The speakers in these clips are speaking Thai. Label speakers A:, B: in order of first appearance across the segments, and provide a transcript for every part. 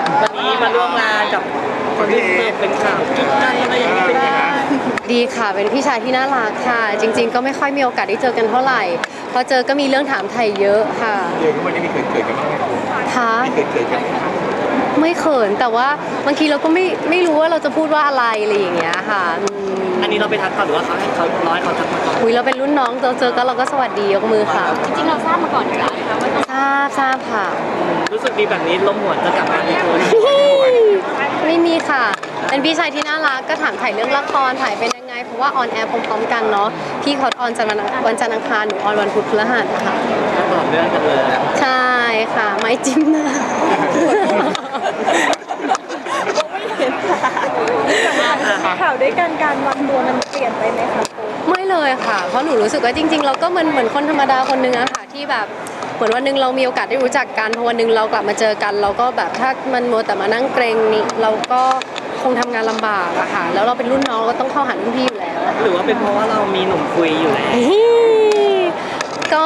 A: วันนี้มาร่วมงานกับคนที่เป็นข่าวกิ๊กกันอะไรอย่างนี้เป็นยังไง
B: ดีค่ะเป็นพี่ชายที่น่ารักค่ะจริงๆก็ไม่ค่อยมีโอกาสได้เจอกันเท่าไหร่พอเจอก็มีเรื่องถามไทยเยอะค่ะ
C: เดี๋ยววันนี้มีเขินกันบ้างไหมคุณ
B: ค่ะ
C: มีเขินกันไหม
B: ไม่เขินแต่ว่าบางทีเราก็ไม่รู้ว่าเราจะพูดว่าอะไรอะไรอย่างเงี้ยค่ะ
A: อันนี้เราไปทักเขาหรือว่าเขาให้เขาร้อยเขาทักมาก่อน
B: คุยเราเป็นรุ่นน้องเจอก็เราก็สวัสดียกมือค่ะ
D: จริงๆเราทราบมาก่อนอยู่แล้วนะคะว่าต้อง
B: ทราบค่ะ
A: รู้สึกดีแบบนี้ล้มหัวจะกลับมาในทุน
B: ไม่มีค่ะเป็นพี่ชายที่น่ารักก็ถามถ่ายเรื่องละครถ่ายเป็นยังไงเพราะว่าออนแอร์พร้อมๆกันเนาะพี่เขาออนวันจันทร์อังคารหนูออนวันพุธพฤหัสค่ะ
A: ก็ต่อเรื่องกันเลย
B: ใช่ค่ะไม้จิ้มหน้า
D: ข่าวด้วยกันการวางตัวมันเปลี่ยนไปไหมคะคุณ
B: ไม่เลยค่ะเพราะหนูรู้สึกว่าจริงๆเราก็เหมือนคนธรรมดาคนนึงอะค่ะที่แบบเหมือนวันหนึงเรามีโอกาสได้รู้จักกันพอวันหนึงเรากลับมาเจอกัน เราก็แบบถ้ามันมัวแต่มานั่งเกรงนี่เราก็คงทำงานลำบากอะค่ะแล้วเราเป็นรุ่นน้องก็ต้องเข้าหารุ่นพี่อยู่แล้ว
A: หรือว่าเป็นเพราะว่าเรามีหนุ่มคุยอยู่แล้ว
B: ก็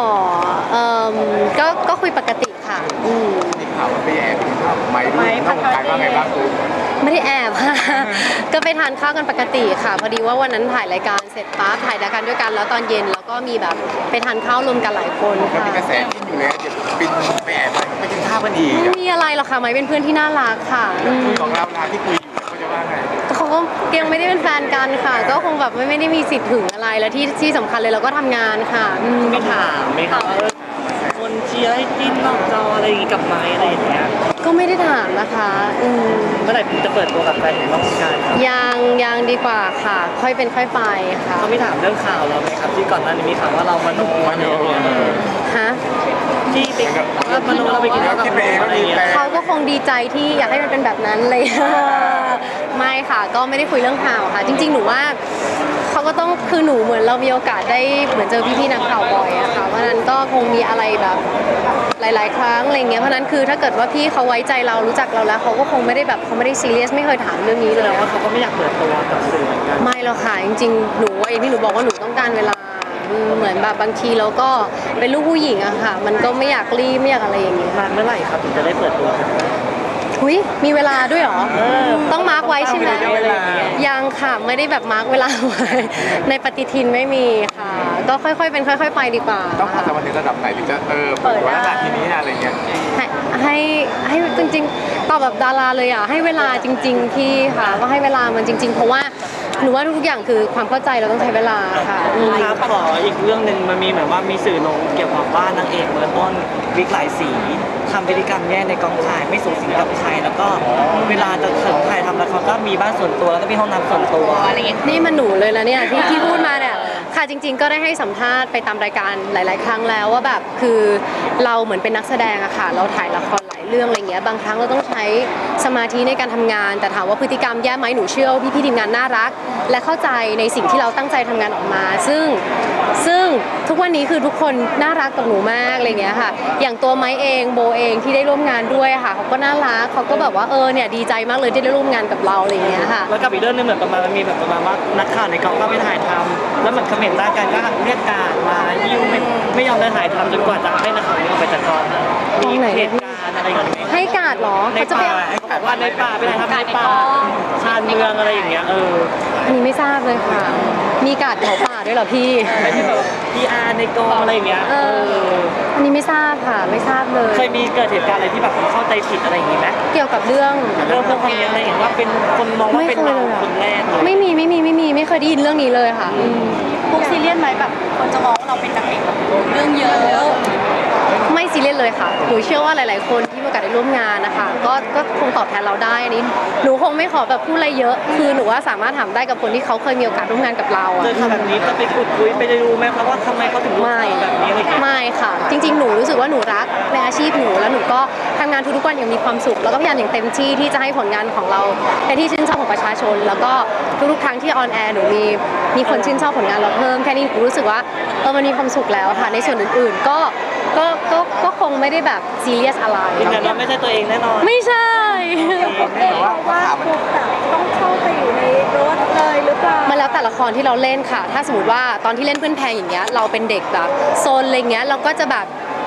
B: ก็คุยปกติค่ะ
C: มีข่าวว่าไปแอบกินข้าวไม่รู้นอกวงการว่าไงบ้างคุณ
B: ไม่ได้แอบค่ะ ก็ไปทานข้าวกันปกติค่ะ พอดีว่าวันนั้นถ่ายรายการเสร็จปั๊บถ่ายรายการด้วยกันแล้วตอนเย็นแล้วก็มีแบบไปทานข้าวรวมกันหลายคน
C: มัน
B: ค่ะ
C: มีกระแสที่อยู่เลยเดี๋ยวบินไปแอบไปกินข้าวกันอีก
B: ไม่มีอะไรหรอกค่ะไม่เป็นเพื่อนที่น่ารักค่ะ
C: คุยของเรานาที่คุยอยู่เขาจะว่าไง
B: เขาก็ยังไม่ได้เป็นแฟนกันค่ะ ก็คงแบบไม่ได้มีสิทธิ์ถึงอะไรแล้วที่สำคัญเลยเราก็ทำงานค่ะ
A: ไม่ถามไหมคะว่าคนเชียร์ให้จิ้นนอกจออะไรอย่างงี้กับไม้อะไรอย่างเงี้ย
B: ก็ไม่ได้ถามนะคะ
A: เมื่อไหร่จะเปิดตัวกับแฟนของนอกวงการครับ
B: ยังดีกว่าค่ะ ค่อยเป็นค่อยไปค่ะ
A: เขาไม่ถามเรื่องข่าวเราไหมครับที่ก่อนหน้านี้มีข่าวว่าเรามโนอะไรอย่างเงี้ย
B: ฮะ
A: ที่ไปว่ามโนเราไปกินข้าวกับใครอะไรอย่างเงี้ย
B: เขาก็คงดีใจที่อยากให้มันเป็นแบบนั้นเลย ไม่ค่ะก็ไม่ได้คุยเรื่องข่าวค่ะ จริงๆหนูว่าเขาก็ต้องคือหนูเหมือนเรามีโอกาสได้เหมือนเจอพี่ๆนักข่าวบ่อยอะค่ะเพราะนั้นก็คงมีอะไรแบบหลายๆครั้งอะไรเงี้ยเพราะนั้นคือถ้าเกิดว่าพี่เขาไว้ใจเรารู้จักเราแล้วเขาก็คงไม่ได้แบบเขาไม่ได้ซีเรียสไม่เคยถามเรื่องนี้
A: แส
B: เล
A: ด
B: ย
A: งว่าเขาก็ไม่อยากเปิดตัวกับสื่อเหมือนกัน
B: ไม่หรอกค่ะจริงๆหนูว่าอย่างที่หนูบอกว่าหนูต้องการเวลาเหมือนแบบบางทีเราก็เป็นลูกผู้หญิงอะค่ะ มันก็ไม่อยากรีบไม่อยากอะไรอย่างเงี้ย
A: นานเมื่อไหร่ครับถึงจะได้เปิดตัวกัน
B: หุยมีเวลาด้วยเหรอต้องมาร์กไว้ใช่ไหม
A: เวลา
B: ยังค่ะไม่ได้แบบมาร์กเวลาไว้ ในปฏิทินไม่มีค่ะ ก็ค่อยๆเป็นค่อย ๆ ไปดีกว่า
C: ต้องพอจะมาถึงระดับไหนถึงจะเปิดว่าทีนี้อะไรเงี้ย
B: ให้จริงๆตอบแบบดาราเลยอ่ะให้เวลาจริง ๆ พี่ค่ะก็ให้เวลามันจริง ๆ เพราะว่าหนูว่าทุกอย่างคือความเข้าใจเราต้องใช้เวลาค่ะ
A: ครับขออีกเรื่องหนึ่งมันมีเหมือนว่ามีสื่อลงเกี่ยวกับว่านางเอกเมืองต้นวิกหลายสีทำพฤติกรรมแย่ในกองถ่ายไม่สูงสิงกับใครแล้วก็เวลาจะถึงถ่ายทำละครก็มีบ้านส่วนตัวแล้วก็มีห้องน้ำส่วนตัวอะไรอย่างเงี้ย
B: นี่มันหนูเลยนะเนี่ยที่พูดมาเนี่ยค่ะจริง ๆ ก็ได้ให้สัมภาษณ์ไปตามรายการหลาย ๆ ครั้งแล้วว่าแบบคือเราเหมือนเป็นนักแสดงอะค่ะเราถ่ายละครหลายเรื่องอะไรเงี้ยบางครั้งเราต้องใช้สมาธิในการทำงาน แต่ถามว่าพฤติกรรมแย่ไหมหนูเชื่อว่าพี่ๆทีมงานน่ารัก และเข้าใจในสิ่งที่เราตั้งใจทำงานออกมา ซึ่งทุกวันนี้คือทุกคนน่ารักกับหนูมากอะไรเงี้ยค่ะอย่างตัวไม้เองโบเองที่ได้ร่วมงานด้วยค่ะเขาก็น่ารักเขาก็แบบว่าเนี่ยดีใจมากเลยที่ได้ร่วมงานกับเราอะไรเงี้ยค่ะ
A: แล้วกับอีกเรื่องหนึงเหมือนประมาณมันมีแบบประมาณว่านักข่าวในกองก็ไปถ่ายทำแล้วเหมือนคอมเมนต์ด้านกันก็เรียกการมายิ้วไม่ยอมได้ถ่ายทำจนกว่าจะให้นักข่าวนี้ออกไปจากกองมีเหตุการณ์อะไรอย่างเงี้ย
B: ให้การ์ดเหรอ
A: ใน
B: เขาจะไป
A: ป่าเขาบอกว่าในป่าไปถ่ายทำในป่าชานเมืองอะไรอย่างเงี้ย
B: อันนี้ไม่ทราบเลยค่ะ มีการ์ดเผาป่าด้วยเหรอพี่
A: ไม่ใช่แบบพีอาร์ในกองอะไรอย่างเงี้ย
B: อันนี้ไม่ทราบค่ะไม่ทราบเลย
A: เคยมีเกิดเหตุการณ์อะไรที่แบบเข้าใจผิดอะไรอย่างงี้ไหม
B: เกี่ยวกับเรื่อง
A: เรื่องพวกนี้อะไรอย่างเงี้ยว่าเป็นคนมองว่าเป็นเราคนแรกเลย
B: ไม่มีไม่เคยได้ยินเรื่องนี้เลยค่ะ
D: พวกซีเรียสไหมแบบคนจะมองว่าเราเป็นนางเอกแบบเรื่องเยอะ
B: ไม่ซีเรียสเลยค่ะหนูเชื่อว่าหลาย ๆ คนที่มีโอกาสได้ร่วมงานนะคะก็คงตอบแทนเราได้อันนี้หนูคงไม่ขอแบบพูดอะไรเยอะ คือหนูว่าสามารถถามได้กับคนที่เขาเคยมีโอกาสร่วมงานกับเราอะ
A: เจอข่าวแบบนี้จะไปขุดคุยไปดูไหมครับว่าทำไมเขาถึงรู้ข่าวแบบนี้อะไรอย่างเงี้ย
B: ไม่ค่ะ จริง ๆ หนูรู้สึกว่าหนูรักในอาชีพหนูแล้วหนูก็ทำงานทุกๆวันอย่างมีความสุขแล้วก็พยายามอย่างเต็มที่ที่จะให้ผลงานของเราเป็นที่ชื่นชอบของประชาชน แล้วก็ทุกๆครั้งที่ออนแอร์หนูมีคนชื่นชอบผลงานเราเพิ่มแค่นี้หนูรู้สึกว่ามันมีความสุขแล้วค่ะในส่วนอื่นๆก็คงไม่ได้แบบซีเรียสอะไร
A: ยืนยันว่าไม่ใช่ตัวเองแน่นอน
B: ไม่ใช่
D: ว่าพวกแบบต้องเข้าไปอยู่ในรถเลยหรือเปล่า
B: มาแล้วแต่ละครที่เราเล่นค่ะ ถ้าสมมติว่าตอนที่เล่นเพื่อนแพงอย่างเงี้ยเราเป็นเด็กแบบโซนอะไรเงี้ยเราก็จะแบบ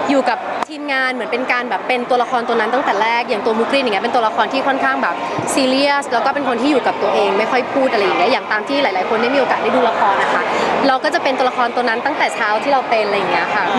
B: อยู่กับทีมงานเหมือนเป็นการแบบเป็นตัวละครตัวนั้นตั้งแต่แรกอย่างตัวมุกรินอย่างเงี้ยเป็นตัวละครที่ค่อนข้างแบบซีเรียสแล้วก็เป็นคนที่อยู่กับตัวเองไม่ค่อยพูดอะไรอย่างเงี้ยอย่างตามที่หลายๆคนได้มีโอกาสได้ดูละครนะคะเราก็จะเป็นตัวละครตัวนั้นตั้งแต่เช้าที่เราเป็นอะไรอย่างเงี้ยค่ะ